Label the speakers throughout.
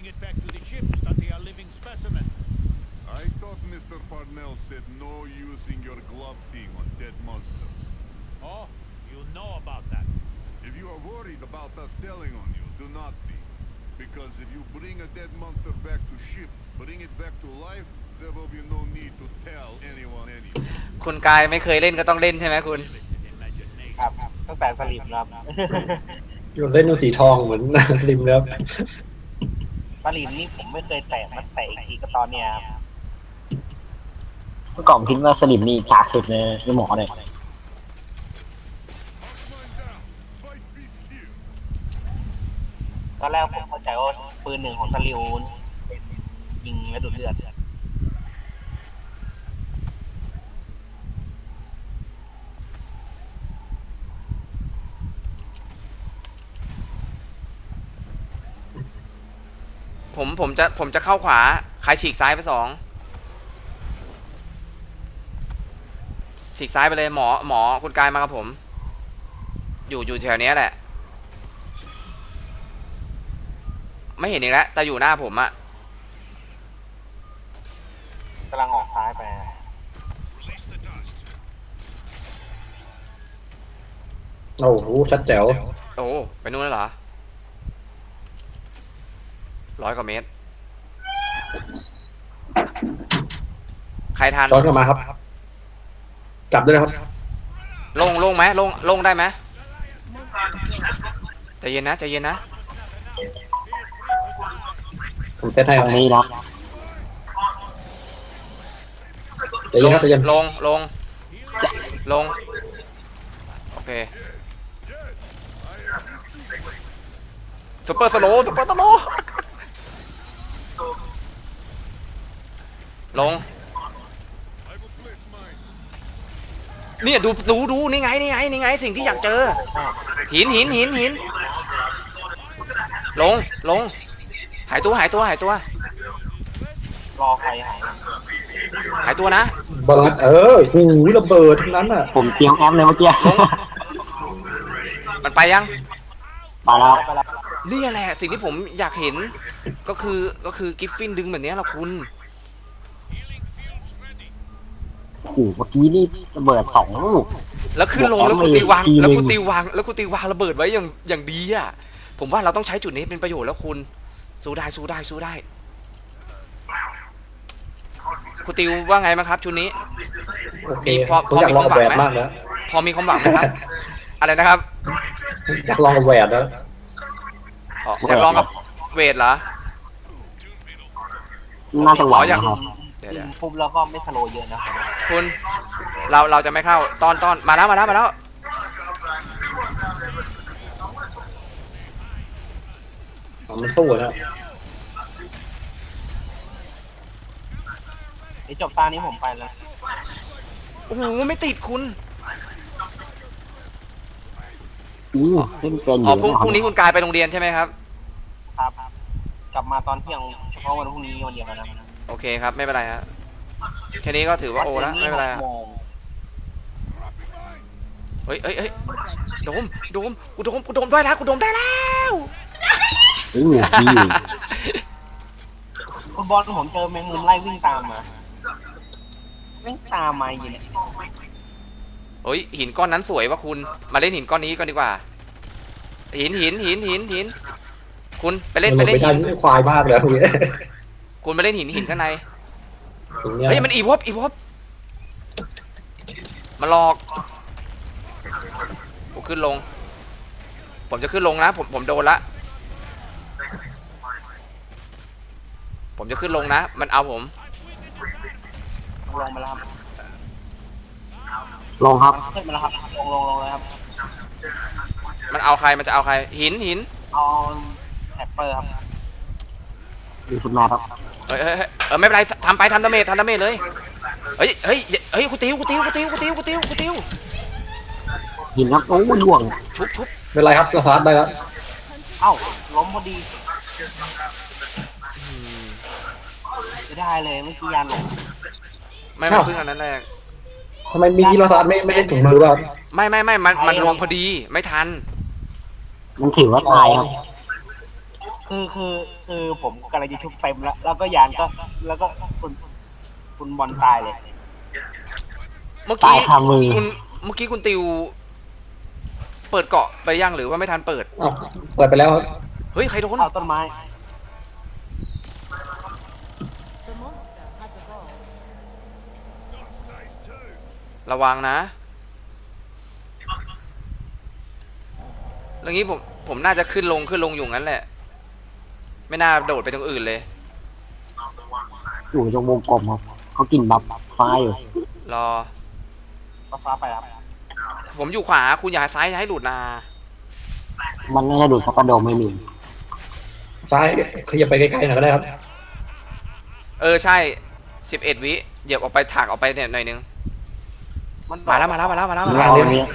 Speaker 1: bring it back to the ships that they are living specimen.
Speaker 2: I thought Mr. Parnell said no using your glove thing on dead monsters.
Speaker 1: Oh, you know about that.
Speaker 2: If you are worried about us telling on you, do not be. Because if you bring a dead monster back to ship, bring it back to life, there will be no need to tell anyone anything.
Speaker 3: คุณกายไม่เคยเล่นก็ต้องเล่นใช่ไหมคุณ
Speaker 4: ครับตั้งแต่สลิมครับ
Speaker 5: อยู่เล่นดูสีทองเหมือน ริมแล้ว
Speaker 4: สลิมนี่ผมไม่เคยแตะมันแตะอีกทีก็ตอนเนี้ยครับ
Speaker 6: เมื่อก่อนคิดว่าสลิมนี่กากสุดเลยในหมอเนี่ย
Speaker 2: Mark mine down. Fight peace here.
Speaker 4: ตอนแรกผมเข้าใจว่าปืนหนึ่งของสลิวเป็นยิงและดูดเลือด
Speaker 3: ผมจะเข้าขวาใครฉีกซ้ายไป2ฉีกซ้ายไปเลยหมอคุณกายมากับผม อยู่แถวนี้แหละ ไม่เห็นอีกแล้วแต่อยู่หน้าผมอะ
Speaker 4: กำลังออกซ้ายไป
Speaker 2: Release the dust.
Speaker 5: โอ้โหชัดแจ๋ว
Speaker 3: โอ้ไปนู่นแล้วเหรอ100 กว่าเมตร ใครทัน
Speaker 5: ย้อนกลับมาครับ จับด้วยนะครับ
Speaker 3: ลงไหมลงได้ไหมใจเย็นนะใจเย็นนะ
Speaker 5: ผมเซตให้ค
Speaker 6: ต
Speaker 5: รั
Speaker 6: ร
Speaker 5: บ
Speaker 6: งนี้นะ
Speaker 5: ใจเย็นครับใจเย็น
Speaker 3: ลงโอเคซุปเปอร์สโลว์ลง
Speaker 2: I will place mine.
Speaker 3: เนี่ยดูนี่ไงสิ่งที่อยากเจอหินลงหายตัว
Speaker 4: รอใครหาย
Speaker 3: หายตัวนะ
Speaker 5: บอลลัดหูระเบิดทั้งนั้นอ่ะ
Speaker 6: ผมเตรียมแอปเลยเมื่อกี้
Speaker 3: มันไปยัง
Speaker 6: มาแล้ว
Speaker 4: ไปแล้ว
Speaker 3: นี่แหละสิ่งที่ผมอยากเห็นก็คือกิฟฟินดึงแบบนี้แหละคุณ
Speaker 6: โอ้โหเมื่อกี้นี่ระเบิด2 ลูก
Speaker 3: แล้วขึ้นลง
Speaker 6: บอก
Speaker 3: แล้วกูตีวาง
Speaker 6: ทีนึง
Speaker 3: แล้วกูตีวางระเบิดไว้อย่างดีอ่ะผมว่าเราต้องใช้จุดนี้เป็นประโยชน์แล้วคุณสู้ได้คุณติวว่าไงบ้างครับชุดนี้
Speaker 5: โอเค
Speaker 3: นี่พอ
Speaker 5: ผมอยากลองกับแหวน
Speaker 3: มีความหวังไหม
Speaker 5: มากแล้ว
Speaker 3: พอมีความหวังไหมครับ อะไรนะครับ
Speaker 5: อยากลองกับแหวนแล้ว
Speaker 3: อ๋ออยากลองกับเวทเหรอ
Speaker 6: น่าจะหวัง
Speaker 3: อยาก
Speaker 6: นะครับ
Speaker 3: เดี๋ยว
Speaker 4: ยิงปุ๊บแล้วก็ไม่สโลว์เยอะนะ
Speaker 3: คุณเราจะไม่เข้าตอนมาแล้ว
Speaker 5: มันสู้นะ
Speaker 4: เดี๋ยวจบตานี้ผมไปแล้ว
Speaker 3: โอ้โหไม่ติดคุณ
Speaker 6: เล่นเป็นอ
Speaker 3: อ๋อยู่ พรุ่ง
Speaker 6: นะ
Speaker 3: นี้คุณกายไปโรงเรียนใช่ไหมครับ
Speaker 4: ครับ กลับมาตอนเที่ยงเฉพาะวันพรุ่งนี้วันเดียวนะครับ
Speaker 3: โอเคครับไม่เป็นไรฮะแค่นี้ก็ถือว่าโอแล้วไม่เป็นไรฮะ
Speaker 4: 6 โมง
Speaker 3: เฮ้ยโดมกูโดมได้แล้ว
Speaker 6: ดีอยู่
Speaker 4: คุณบอลผมเจอแมงมุมไล่วิ่งตามมาอยู่เนี่ย
Speaker 3: เฮ้ยหินก้อนนั้นสวยวะคุณมาเล่นหินก้อนนี้ก่อนดีกว่าหินคุณไปเล่น
Speaker 5: มันไม่ได้
Speaker 3: หิน
Speaker 5: ไม่ควายมากเลยตรงนี้
Speaker 3: คุณไปเล่นหินข้างใน
Speaker 5: ตรงเนี้ย
Speaker 3: เฮ้ยมันอีวอฟมาหลอกผมขึ้นลง ผมจะขึ้นลงนะผมโดนละผมจะขึ้นลงนะมันเอาผม
Speaker 4: ลงมาแล้วครับ
Speaker 6: ลงครับ
Speaker 4: ขึ้นมาแล้วครับลงเลยครับ
Speaker 3: มันเอาใครมันจะเอาใครหิน
Speaker 4: เอาแท็ปเปอร์ครับ
Speaker 6: มีฟุตมาครับ
Speaker 3: เฮ้ยไม่เป็นไรทำดาเมจเลยเฮ้ยกูติว
Speaker 6: หินครับโอ้ยล่วง
Speaker 3: ชุบ
Speaker 5: ไม่เป็นไรครับสตาร์ทได้แล้ว
Speaker 4: เอ้าล้มพอดีไม่ได้เลยเมื่อกี้ยานหลง
Speaker 3: ไม่เพิ่งอันนั้นแรก
Speaker 5: ทำไมมีกีฬาสตาร์ทไม่ให้ถุงมือป่ะ
Speaker 3: ไม่มันลงพอดีไม่ทัน
Speaker 6: มันถือว่าตายครับ
Speaker 4: คือคือผมกำลังจะชุบเต็มแล้วก็ยานก็แล้วก็คุณบอลตายเลย
Speaker 3: เมื่อ
Speaker 6: ตา
Speaker 3: กี้
Speaker 6: ยคามือ
Speaker 3: เมื่อกี้คุณติว เปิดเกาะไปยังหรือว่าไม่ทันเปิด
Speaker 5: อ้าวเปิดไปแล้วครับ
Speaker 3: เฮ้ยใครโดน
Speaker 4: เอาต้นไม้
Speaker 7: The monster has evolved.
Speaker 3: ระวังนะเรื่องนี้ผมน่าจะขึ้นลงอยู่งั้นแหละ ไม่น่าโดดไปตรงอื่นเลย
Speaker 6: อยู่ตรงวงกลมครับเขากินบัฟฟ้าอยู่
Speaker 3: รอ
Speaker 4: ฟ้าไปครับ
Speaker 3: ผมอยู่ขวาคุณอย่าซ้ายอย่าให้หลุดนา
Speaker 6: มันน่าจะดูดสปาโดมไม่มี
Speaker 5: ซ้ายขยับไปไกลๆหน่อยก็ได้ครับ
Speaker 3: ใช่11 วิเหยียบออกไปถากออกไปเนี่ยหน่อยนึงมาแล้ว
Speaker 6: ร
Speaker 5: มา
Speaker 6: อ
Speaker 5: แล้ว
Speaker 6: ตรงนี้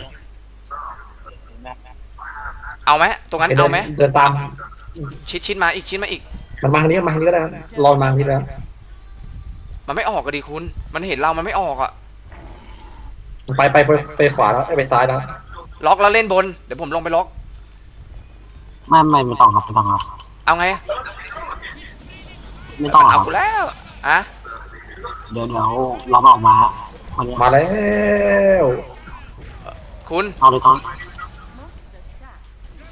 Speaker 3: เอาไหมตรงนั้นเอาไหม
Speaker 5: เดินตาม
Speaker 3: ชิดมาอีกมาอีก
Speaker 5: มันมาทางนี้ก็ได้ครับรอมาทางนี้แล้ว
Speaker 3: มันไม่ออกก็ดีคุณมันเห็นเรามันไม่ออกอ่ะ
Speaker 5: ไปขวาแล้วไปซ้ายแล้ว
Speaker 3: ล็อกแล้วเล่นบนเดี๋ยวผมลงไปล็อก
Speaker 6: ไม่ต้องครับไม่ต้องครับ
Speaker 3: เอาไง
Speaker 6: ไม่ต้องค
Speaker 3: เอา
Speaker 6: รับ
Speaker 3: กูแล้วอะ
Speaker 6: เดี๋ยวเราออกมาวันนี้
Speaker 5: มาแล้ว
Speaker 3: คุณ
Speaker 6: เอาเลยก่อน
Speaker 7: Monster trapped.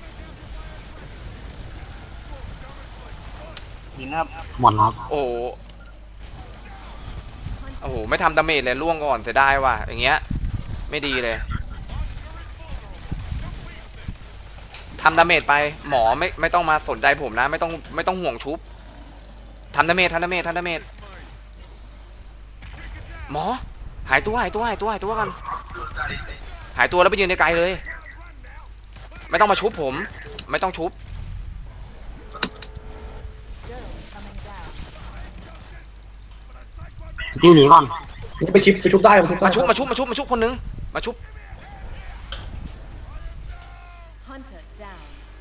Speaker 4: หินครับ
Speaker 6: หมดแล้ว
Speaker 3: โอ้โหไม่ทำดาเมจเลยล่วงก่อนเสียดายว่ะอย่างเงี้ยไม่ดีเลยทำดาเมจไปหมอไม่ต้องมาสนใจผมนะไม่ต้องห่วงชุบทำดาเมจหมอหายตัวกันหายตัวแล้วไปยืนไกลๆเลยไม่ต้องมาชุบผมไม่ต้องชุบ
Speaker 7: Dome coming down.
Speaker 6: ที่หนีก่อน
Speaker 5: นี่ไปชุบได้
Speaker 3: มาชุบคนนึงมาชุบ
Speaker 7: Hunter down.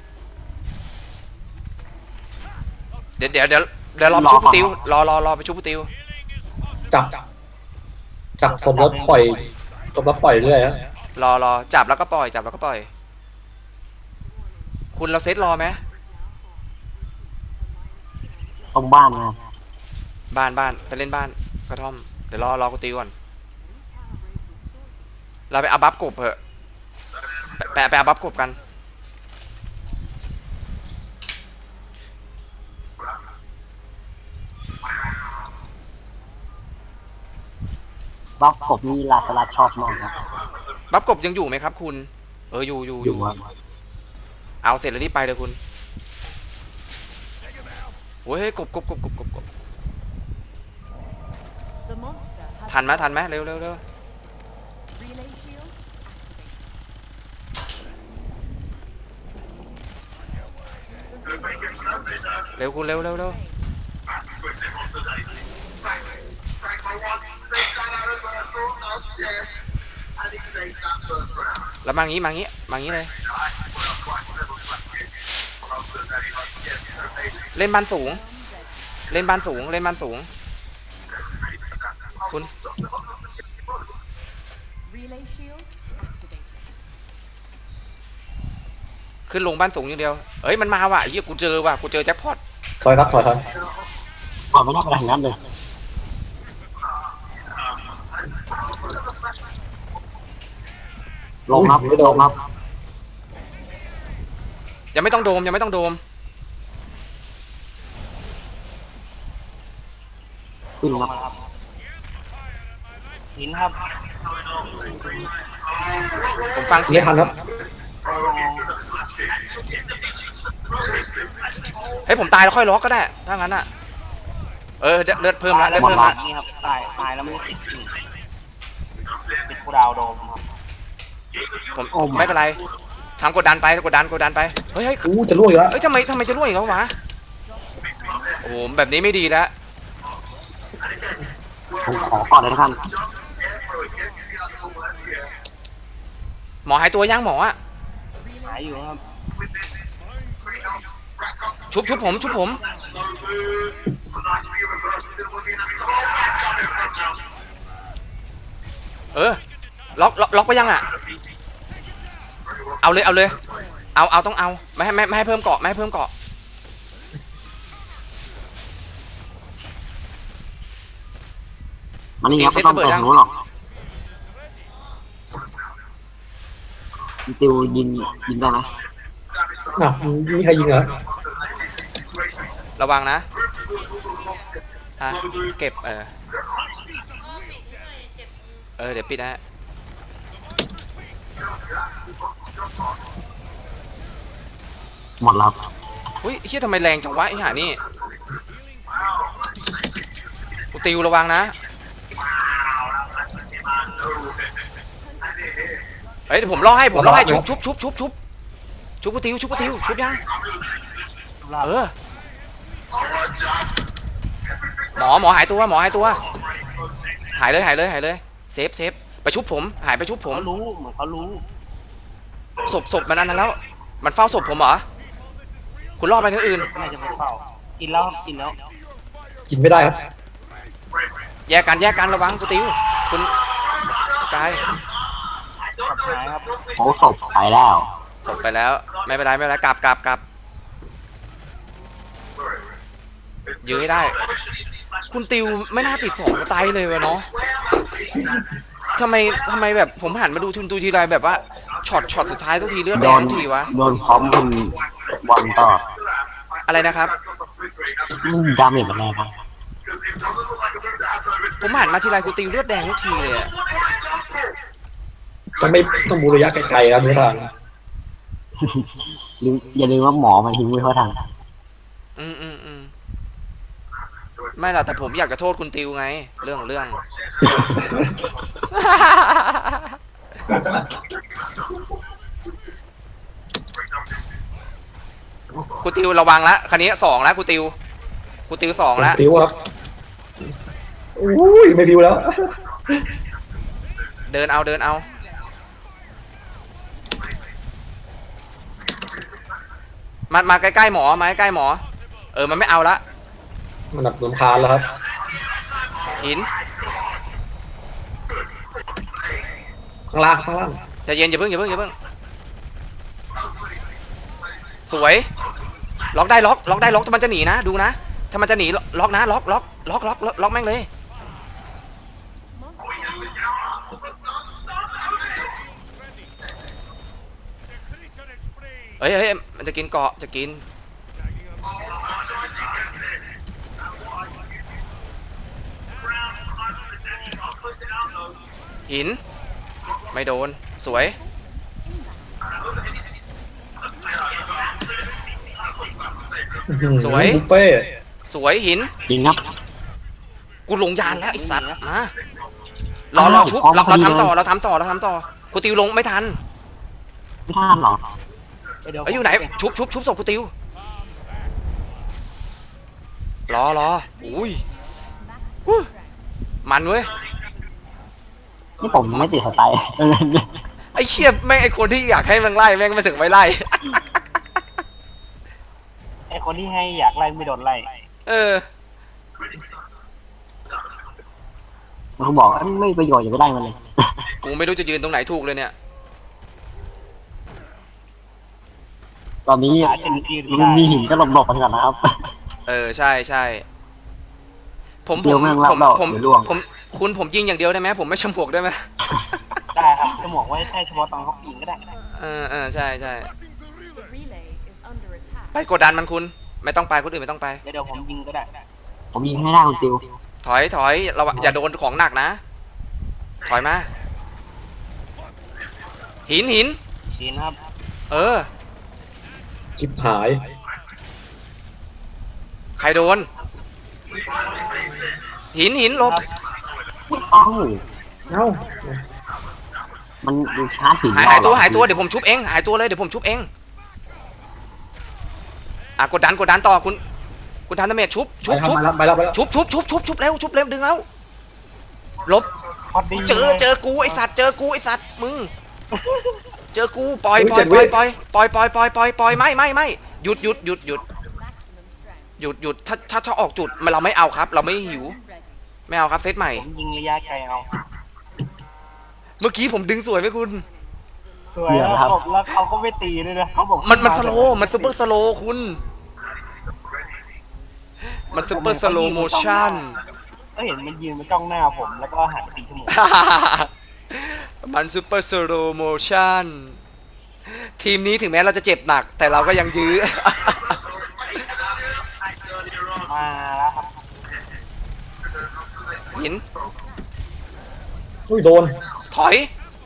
Speaker 3: เดี๋ยวรอไปชุบปูติวรอไปชุบปูติว
Speaker 5: จับผมแล้วปล่อยเรื่อยฮะ
Speaker 3: รอจับแล้วก็ปล่อยคุณเราเซตรอไหม
Speaker 6: ตรงบ้านนะครับ
Speaker 3: บ้านไปเล่นบ้านกระท่อมเดี๋ยวรอกูตีก่อนเราไปเอาบัฟกบเถอะไปเอาบัฟกบกัน
Speaker 6: บัฟกบนี่ลาสลัดชอบมากครับ
Speaker 3: บัฟกบยังอยู่ไหมครับคุณอยู่
Speaker 6: อยู่ครับ
Speaker 3: เอาเสร็จแล้วรีบไปเลยคุณโอ้ยกบ
Speaker 7: The monster has
Speaker 3: ทันไหมเร็ว
Speaker 7: relay shield activated.
Speaker 3: เร็วคุณเร็วแล้วมางี้เลยเล่นบ้านสูงคุณ
Speaker 7: Relay shield activated.
Speaker 3: ขึ้นลงบ้านสูงอย่างเดียวมันมาว่ะเฮียกูเจอแจ็คพอต
Speaker 5: ถอย
Speaker 6: ก่อนไม่ได้ไปทางนั้นเลยลงครับ
Speaker 3: ยังไม่ต้องโดม
Speaker 6: ขึ้นครับ
Speaker 4: หินครับ
Speaker 3: ผมฟังเสีย
Speaker 5: ไม่
Speaker 3: ง
Speaker 5: ทันครับ
Speaker 3: ผมตายแล้วค่อยล็อกก็ได้ถ้างั้นอ่ะเลือดเพิ่มละ
Speaker 4: นี่ครับตายแล้วไม่ติดกูดาวโดมครับ
Speaker 3: ผมไม่เป็นไรทำกดดันไปเฮ้ย
Speaker 5: จะล่วงอยู่แล้ว
Speaker 3: ทำไมจะร่วงอีกแล้ววะโอ้โหแบบนี้ไม่ดีแล้ว
Speaker 6: ผมขอก่อนเลยท่าน
Speaker 3: หมอหายตัวยังหมออ่ะ
Speaker 4: หายอยู่ครับ
Speaker 3: ชุบผม ล็อกไปยังอ่ะเอาเลยเอาต้องเอาไม่ให้เพิ่มเกาะ
Speaker 6: มันนี่ครับไม่ต้องไปทางนู้นหรอกติวยิงได้ไหม
Speaker 5: อ่ะมีใครยิงเหรอ
Speaker 3: ระวังนะอ่ะเก็บเดี๋ยวปิดนะ
Speaker 6: หมดแล้ว
Speaker 3: อุ้ยเฮียทำไมแรงจังวะไอ้ห่านี่กูติวระวังนะเฮ้ยเดี๋ยวผมล่อให้ชุบกูติวชุบยังหมอหายตัวหายเลยเซฟไปชุบผมหายไปชุบผม
Speaker 4: เขารู้เหมือนเขารู้
Speaker 3: ศพมันอันนั้นแล้วมันเฝ้าศพผมเหรอคุณล่อไปที่อื่น
Speaker 4: น่าจะไปเฝ้ากินแล้ว
Speaker 5: กินไม่ได้ครับ
Speaker 3: แยกกันระวังกูติวคุณกาย
Speaker 4: ขับหายครับ
Speaker 6: โอ้ศพไปแล้ว
Speaker 3: ศพไปแล้วไม่เป็นไรกลับยื้อให้ได้คุณติวไม่น่าติด2สไตล์เลยวะเนาะทำไมแบบผมหันมาดูทีไรแบบว่าช็อตสุดท้ายทุกทีเลือดแดงทุกทีวะ
Speaker 6: โดนพร้อมคุณบอลต่อ
Speaker 3: อะไรนะครับ
Speaker 6: ดาเมจมันแรงครับ
Speaker 3: ผมหันมาทีไรกูติวเลือดแดงทุกทีเลยอะ
Speaker 5: ต้องบูระยะไกลๆครับเนื้อทาง
Speaker 6: อย่าลืมว่าหมอมันทิ้งไว้เข้าทาง
Speaker 3: ไม่ล่ะแต่ผมอยากจะโทษคุณติวไงเรื่องกูติวระวังละคันนี้2แล้วกูติว2แล้ว
Speaker 5: บิวครับอุ้ยไม่บิวแล้ว
Speaker 3: เดินเอามาใกล้ๆหมอมันไม่เอาละ
Speaker 5: มันหนักลำคาญแล้วครับ
Speaker 3: หิน
Speaker 5: ข้างล่าง
Speaker 3: ใจเย็นอย่าเพิ่งสวยล็อกได้ล็อกถ้ามันจะหนีนะดูนะถ้ามันจะหนีล็อกนะล็อกแม่งเลย
Speaker 1: The creature is free.
Speaker 3: เฮ้ยมันจะกินเกาะจะกินหินไม่โดนสวย สวย
Speaker 5: บุฟเฟ่
Speaker 3: สวยหิน
Speaker 6: จริงครับ
Speaker 3: กูลงยานแล้วไอ้สัตว์มารอชุบเราทำต่อกูติวลงไม่ทัน
Speaker 6: ไม่ท่านหรอ
Speaker 3: เอ้ยอยู่ไหนชุบศพกูติวรออุ้ยมันเว้ย
Speaker 6: นี่ผมไม่ติดสไตล์
Speaker 3: ไอ้เชี่ยแม่งไอ้คนที่อยากให้มันไล่แม่งไม่ถึงไม่ไล่
Speaker 4: ไอคนที่ให้อยากไล่ไม่โดนไล่
Speaker 6: มันบอกว่าไม่ประโยชน์อย่าไปได้มันเลย
Speaker 3: กูไม่รู้จะยืนตรงไหนถูกเลยเนี่ย
Speaker 6: ตอนนี้
Speaker 4: หาจะยืน
Speaker 6: มันมี
Speaker 4: ได้
Speaker 6: หินก็หลบๆกันก่อนนะครับ
Speaker 3: ใช่ผม
Speaker 6: เดี๋ยวแม่งรับเราเดี๋ยวล่วง
Speaker 3: ผมยิงอย่างเดียวได้ไหมผมไม่ชมพวกได้ไหม
Speaker 4: ได้ครับจะบอกว่าแค่เฉพาะตอนเขาปีนก็ได้
Speaker 3: ใช่
Speaker 7: The relay is under attack.
Speaker 3: ไปกดดันมันคุณไม่ต้องไปคนอื่นไม่ต้องไป
Speaker 4: เดี๋ยวผมยิงก็ได้
Speaker 6: ผมยิงให้ได้คุณติว
Speaker 3: ถอยเราอย่าโดนของหนักนะถอยมาหิน
Speaker 4: ดีนะครับ
Speaker 5: ชิบหาย
Speaker 3: ใครโดนหินหลบ
Speaker 6: เอ้า
Speaker 5: เอ้า
Speaker 6: มันชาร์จหิน
Speaker 3: หายตัวเดี๋ยวผมชุบเองหายตัวเลยเดี๋ยวผมชุบเองกดดันต่อคุณทันเมทชุบ
Speaker 5: ไปแล้ว
Speaker 3: ชุบเร็วดึงแล้วลบ
Speaker 4: พอดี
Speaker 3: เจอกูไอสัตว์มึงเจอกูปล่อยไม่หยุด
Speaker 7: Maximum strength.
Speaker 3: ถ้าออกจุดเราไม่เอาครับเราไม่หิว
Speaker 7: Ready.
Speaker 3: ไม่เอาครับเซตใหม่
Speaker 4: ผมยิงระยะไกลเอา
Speaker 3: เมื่อกี้ผมดึงสวยไหมคุณ
Speaker 4: สวยแล้วเขาก็ไม่ตีเลยนะเขาบอก
Speaker 3: มันสโลมันซุปเปอร์สโลคุณมันซุปเปอร์สโลโมชั่น
Speaker 4: ก็เห็นมันยืนมาจ้องหน้าผมแล้วก็หันไปตีจมูก
Speaker 3: มันซูเปอร์สโลโมชั่นทีมนี้ถึงแม้เราจะเจ็บหนัก แต่เราก็ยังยื้อ
Speaker 4: มาแล้วครับ
Speaker 3: หิน
Speaker 5: อุ้ยโดน
Speaker 3: ถอย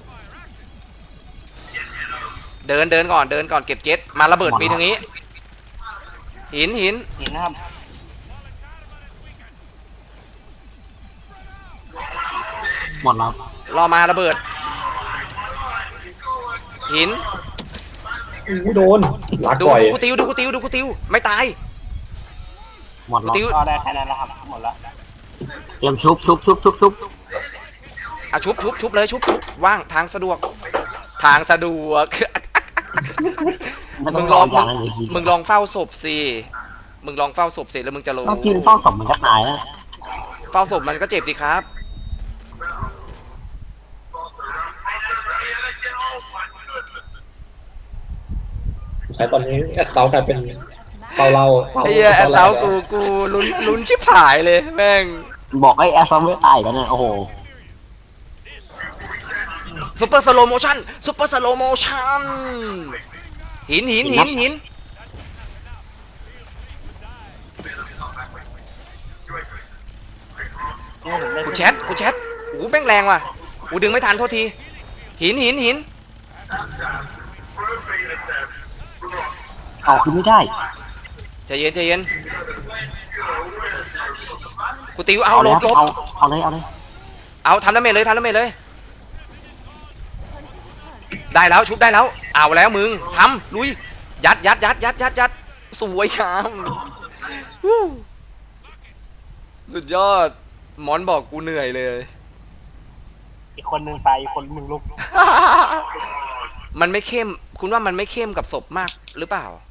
Speaker 3: เดินก่อนเก็บเจ็ตมาระเบิดปีตรงนี้ หิน
Speaker 4: เห็นนะครับ
Speaker 6: หมดแล้ว
Speaker 3: รอมาระเบิด หิน
Speaker 5: อุ้ยโดนลาก
Speaker 3: ดู
Speaker 5: ปล่อย
Speaker 3: กูติวไม่ตาย
Speaker 6: หมดแล้ว
Speaker 3: ติว
Speaker 4: ก็ได้แค่นั้นแล้วครับหมดแล้ว
Speaker 6: เตรียมชุบ
Speaker 3: อ่ะชุบเลยชุบว่างทางสะดวก
Speaker 6: ไม่ต้
Speaker 3: มึ
Speaker 6: อง
Speaker 3: ง
Speaker 6: ร
Speaker 3: ล
Speaker 6: อ
Speaker 3: อง
Speaker 6: อย่างนั้นเลย
Speaker 3: มึงลองเฝ้าศพสิแล้วมึงจะรู้
Speaker 6: ต้องกินเฝ้าศพมันก็ตายแล้ว
Speaker 3: เฝ้าศพมันก็เจ็บสิครับ
Speaker 5: ใช้ตอนนี้แอดเตากลายเป็นเตาเรา
Speaker 3: ไอ้เหี้ยแอดเตากูลุ้นชิบหายเลยแม่ง
Speaker 6: บอกให้แอสซัมไม่ตายกันเนี่ยโอ้โห
Speaker 3: ซุปเปอร์สโลโมชั่นหิน
Speaker 4: นี่ผมได้
Speaker 3: กูแชทโอ้แม่งแรงว่ะกูดึงไม่ทันโทษทีหิน
Speaker 6: เอาคือไม่ได้
Speaker 3: ใจเย็นกูติวเอาลบ
Speaker 6: เอาเลย
Speaker 3: เอาทำดาเมจเลยได้แล้วชุบได้แล้วเอาแล้วมึงทำลุยยัดสวยงามวู้สุดยอดหมอนบอกกูเหนื่อยเลย
Speaker 4: อีกคนหนึ่งไปอีกคนหนึ่งลุก
Speaker 3: มันไม่เข้มคุณว่ามันไม่เข้มกับศพมากหรือเปล่า